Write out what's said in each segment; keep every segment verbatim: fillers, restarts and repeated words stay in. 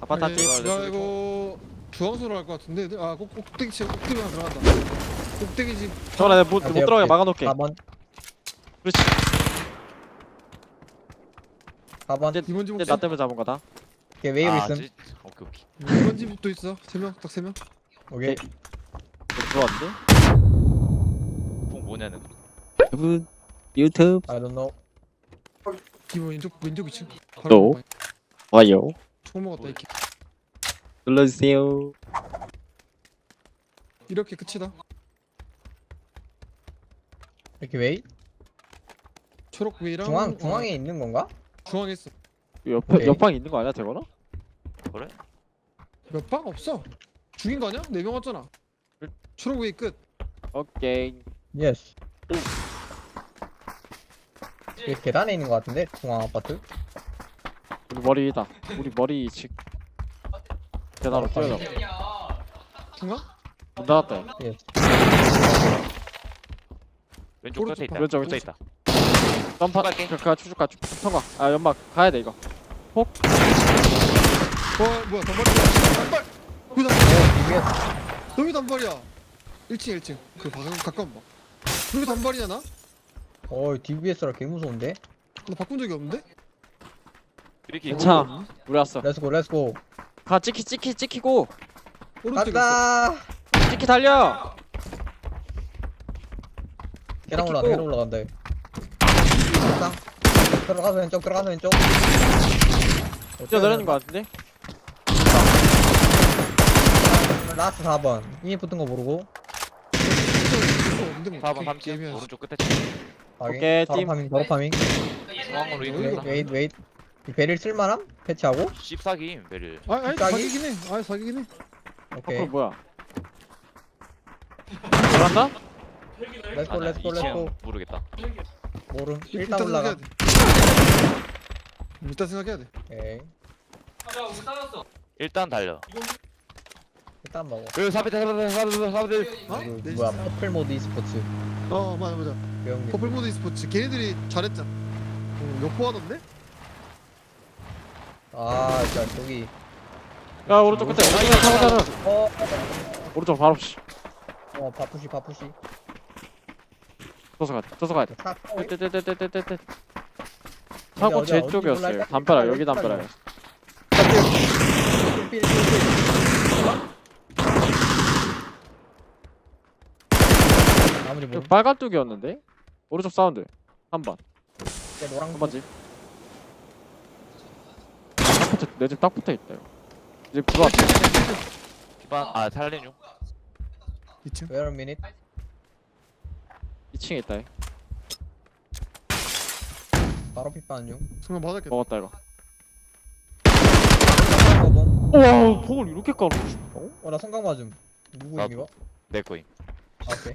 아파트 아니, 집. 야 이거 주황수로 할 것 같은데. 아 꼭, 꼭대기 집 꼭대기 하나 들어간다. 꼭대기 집. 저거 내가 못, 못 들어가게 막아놓게. 사 번 그렇지. 사 번 이제, 이번 집 이제 혹시 나 때문에 잡은 거다. 오케이 웨이브 아, 있음. 지- 오케이 오케이. 이번 집도 있어. 세 명, 딱 세 명. 오케이 이거 들어왔는데? 폭 뭐냐는. 여러분 유튜브 I don't know. 기본 왼쪽 왼쪽 위층. 또? 와요 총 먹었다 이렇게. 눌러주세요. 이렇게 끝이다. 이렇게 웨이 초록 위랑 중앙 중앙에 있는 건가? 중앙에 있어. 옆에 오케이. 옆방 있는 거 아니야 저거는? 그래? 몇 방 없어. 죽인 거 아니야? 네 명 왔잖아. 초록 위 끝. 오케이. 예스. 여기 계단에 있는 것 같은데 중앙 아파트. 우리 머리다. 우리 머리 직. 계단으로 뛰어나. 중앙? 문 닫았다. 예스. 왼쪽 오른쪽 끝에 있다. 봐. 왼쪽, 끝에 왼쪽. 있다. 점프. 갈게. 그, 그 추적 가. 통과. 아 연막 가야 돼 이거. 어 뭐야 단발이야. 단발. 그 단발. 오 디비에스. 너무 단발이야. 일 층 일 층. 그 방금 가까운 봐. 그렇게 단발이야 나? 어 디비에스라 개 무서운데. 나 바꾼 적이 없는데? 이렇게 괜찮아. 우리 왔어. 렛츠고 렛츠고. 가 찍히 찍히 찍히고. 오른쪽에 있어. 간다. 찍히 달려. 계단 올라간다. 계단 올라간다. 상 들어가서 왼쪽 들어가서 왼쪽. 뛰어내리는 거 같은데? 라스트 사 번. 이미 붙은 거 모르고. 없는데 뭐 사 번 어떻게 삼 층 게임이야. 오른쪽 끝에 확인. 오케이, 바로 팀. 파밍 바로 파밍. 중앙으로 웨이, 이동. 웨이 웨이. 이 베릴 쓸만함? 패치하고? 십사기 베릴. 아, 아니 짝이? 사기긴 해. 아, 사기긴 해. 오케이. 앞으로 뭐야? 들어간다? 렛츠고 아니야, 렛츠고 이 층 렛츠고. 모르겠다. 모름. 일단 일단 올라가. 생각해야 돼. 일단 생각해야 돼. 오케이. 일단 달려. 일단 먹어. 그 사비들 사비들 사비들 사비들. 어? 이거 네, 뭐야? 진짜. 퍼플 모드 e스포츠. 어, 맞아 맞아. 배운 게. 퍼플 모드 e스포츠 걔네들이 잘했잖아. 어, 역보하던데? 아, 진짜 저기. 야 오른쪽 끝에. 오른쪽 타고자는. 어, 오른쪽 바로 씨. 어, 바푸시 바푸시. 저서 가야 돼. 저서 가야 돼. 차. 떼떼떼떼떼떼떼. 차고 어디야, 제 어디 쪽이었어요. 올라갈까? 담벼락 여기 담벼락. 필, 필, 필, 필. 나머지 뭐? 빨간 뚝이었는데? 오른쪽 사운드. 한 번. 노랑 한 번지. 딱 붙어. 내 집 딱 붙어 있다. 이거. 이제 들어왔다. 기반 아 살린 중. 이 층. Wait a minute. 이 층에 있다. 얘. 바로 핏바는 중. 정말 맞았겠다. 먹었다 이거. 성광 우와 폭을 이렇게 깔아. 어? 어, 나 성광 맞음. 누구 나도. 이거? 내 거임. 아, 오케이.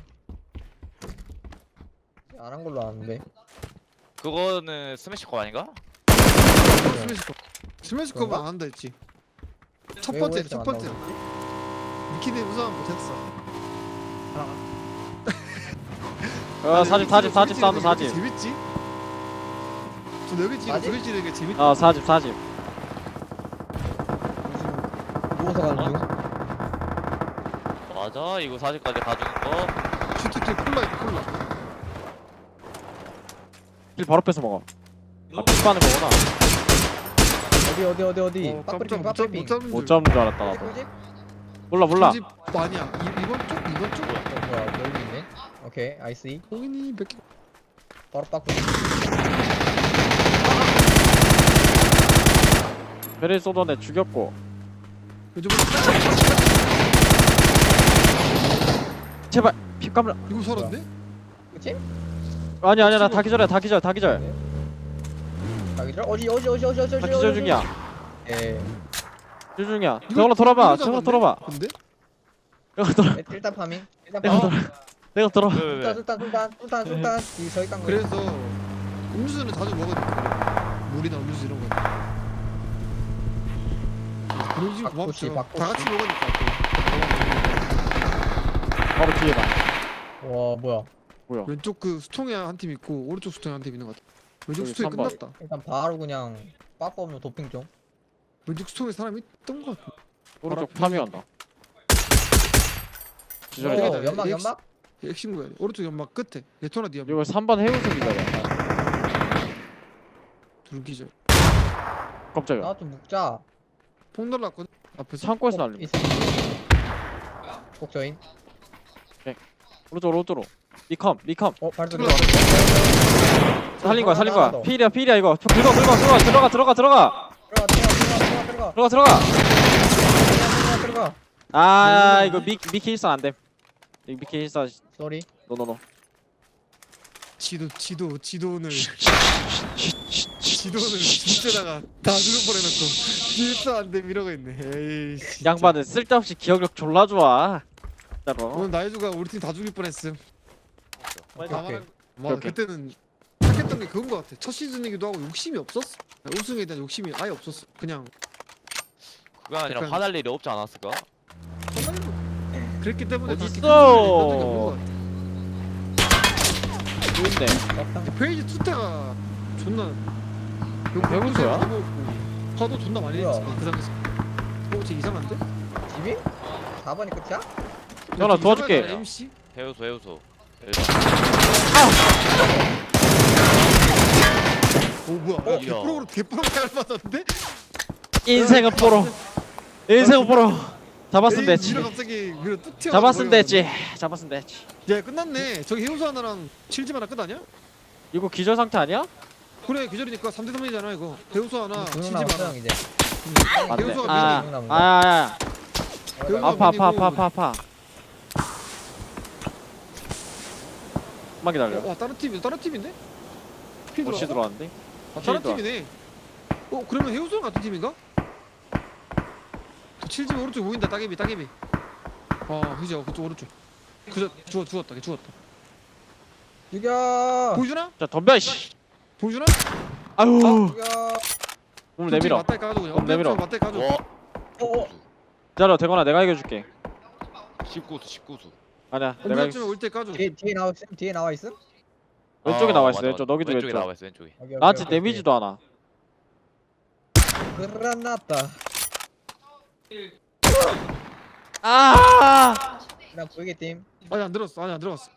안 한 걸로 아는데. 그거는 스매시 거 아닌가? 스매시컵. 스매시컵은 그런가? 안 한다 했지. 첫 왜 번째, 오해지 첫 안 번째. 나오지? 니키네 우선 못했어. 아 사집 사집 사집 사운드 사집. 재밌지? 저 여기 지금 사집? 저기 지는 게 재밌. 아 사집 사집. 누워서 가는 중. 맞아 이거 사진까지 가주는 거. 슈트킬 콜라 있고 콜라. 길 바로 뺏어 먹어. 아 핏바는 거구나. 어디 어디 어디 어디. 어, 빠프링 깜짝 못, 빠프링. 잡, 못 잡는 못 줄. 잡는 줄 알았다 나도. 꿀집? 몰라 몰라. 집 아니야. 이, 이번 쪽 이번 쪽. 어 뭐야 여기 있네. 오케이 I see. 공인이 몇 개. 바로 빠프링. 베릴 쏘던 애 죽였고. 요즘 제발 피 까물라. 이거 살았네? 그치? 아니 아니야 나 다 기절해 다 기절 다 기절. 자 기절. 어디 어디 어디 어디 어디 어디. 다 기절 중이야. 예. 기절 중이야. 이거- 저걸로 돌아봐. 이거 저걸로 잡았네? 돌아봐. 근데? 내가 돌아. 일단 파밍. 일단 내가 파밍. 돌아. 내가 돌아. 왜, 왜, 술탄 왜? 술탄 술탄 술탄 술탄. 이 저기 깐 거. 그래서 음료수는 자주 먹어도 물이나 음료수 이런 거. 그런 식 박꼬치, 고맙죠. 박꼬치. 다 같이 먹으니까. 바로 뒤에다. 와 뭐야. 뭐야? 왼쪽 그 수통에 한 팀 있고 오른쪽 수통에 한 팀 있는 것 같아. 왼쪽 여기 수통이 삼 번. 끝났다. 일단 바로 그냥 빠꾸 없는 도핑 좀. 왼쪽 수통에 사람이 있던 것 같아. 오른쪽 파밍한다. 기절해. 어. 어, 연막 연막? 핵심 구야. 오른쪽 연막 끝에. 레토나 뒤에 이거 삼 번 해우소 기다려. 둘 기절. 깜짝이야. 나 좀 묵자. 폭 날랐거든. 앞에서. 창고에서 날림. 있어. 복저인. 오른쪽 오른쪽으로. 미컴 미컴. 어 발소리. 들어와. 살린 거야 살린 거야. 하나 더. 필이야 필이야 이거. 저 긁어 긁어 긁어 들어가 들어가 들어가 들어가 들어가 들어가 들어가 들어가 들어가. 들어가 들어가. 아 이거 미 미키 일선 안 돼. 이거 미키 일선 쏘리. 노노노. 지도 지도 지도를 지도를 진짜다가 다 죽을 뻔해놓고 질서 안돼 이러고 있네. 에이. 진짜. 양반은 쓸데없이 기억력 졸라 좋아. 진짜로. 오늘 나이주가 우리 팀 다 죽일 뻔했음. 오케이, 다 오케이. 말한- 맞아 오케이. 그때는 착했던 게 그건 것 같아. 첫 시즌이기도 하고 욕심이 없었어. 우승에 대한 욕심이 아예 없었어. 그냥 그게 아니라 약간- 화날 일이 없지 않았을까? 그랬기 때문에 어딨어? 그렇게 큰 소리를 낸 적이 없는 것 같아. 좋은데. 페이지 투 때가 존나 해운소야? 화도 존나 많이 뭐야? 했지 그 당시. 어, 쟤 이상한데? 집이? 사 번이 끝이야? 전화 도와줄게. 이상하잖아, 엠씨? 해우소 해우소. 오 뭐야? 어? 어, 개프로로 개프로 잘 맞았는데? 인생은 뽀로. 인생은 뽀로. 잡았으면 에이, 됐지. 밀어 갑자기 밀어 뚝 튀어. 잡았으면 됐지. 잡았으면 됐지. 야 끝났네. 저기 해우소 하나랑 칠집 하나 끝 아니야? 이거 기절 상태 아니야? 그래 계절이니까 삼 대 삼이잖아 이거. 해우소 하나, 두명 칠집 남았어 형 하나. 이제. 안 돼. 해우소가 아, 밀리네. 남은 거. 아, 아, 배우가 아. 아파, 아파, 밀리고. 아파, 아파, 아파. 좀만 기다려. 와 다른 팀이 다른 팀인데? 피 옷이 들어왔어? 들어왔는데? 아, 다른 필드. 팀이네. 어 그러면 해우소랑 같은 팀인가? 저 칠집 오른쪽 보인다 따개비 따개비. 아 그죠 그쪽 오른쪽. 그저 죽었 죽었다 걔 죽었다. 죽여. 보여주나? 자, 덤벼, 씨. 보여주나? 아유. 죽여. 몸을 내밀어. 맞다리 까줘 그냥. 그럼 내밀어. 맞다리 까줘. 와. 어. 기다려, 되거나 내가 이겨줄게. 십구 수 십구 수. 아니야, 내가 ом비쯤에 이겨. 올때 까줘. 뒤에 뒤에 나와 있음? 뒤에 나와 있음? 왼쪽에 아, 나와 있어, 맞아, 왼쪽. 맞아. 너기도 왼쪽에 왼쪽. 나와 있어 왼쪽에. 오케이, 오케이, 나한테 오케이, 데미지도 않아. 오케이. 그라나타. 아! 나 보이게 팀. 아니 안 들었어 아니 안 들어갔어.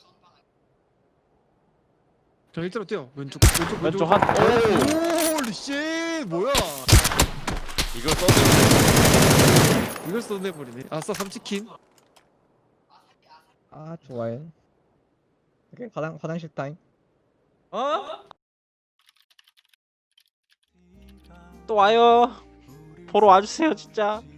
저 일자로 뛰어 왼쪽 왼쪽 왼쪽 한. 오! 홀리 쉣 뭐야? 이걸 써도 이걸 쏜내버리네. 아싸 삼치킨. 아 좋아요. 오케이 화장 화장실 타임. 어? 또 와요. 보러 와주세요, 진짜.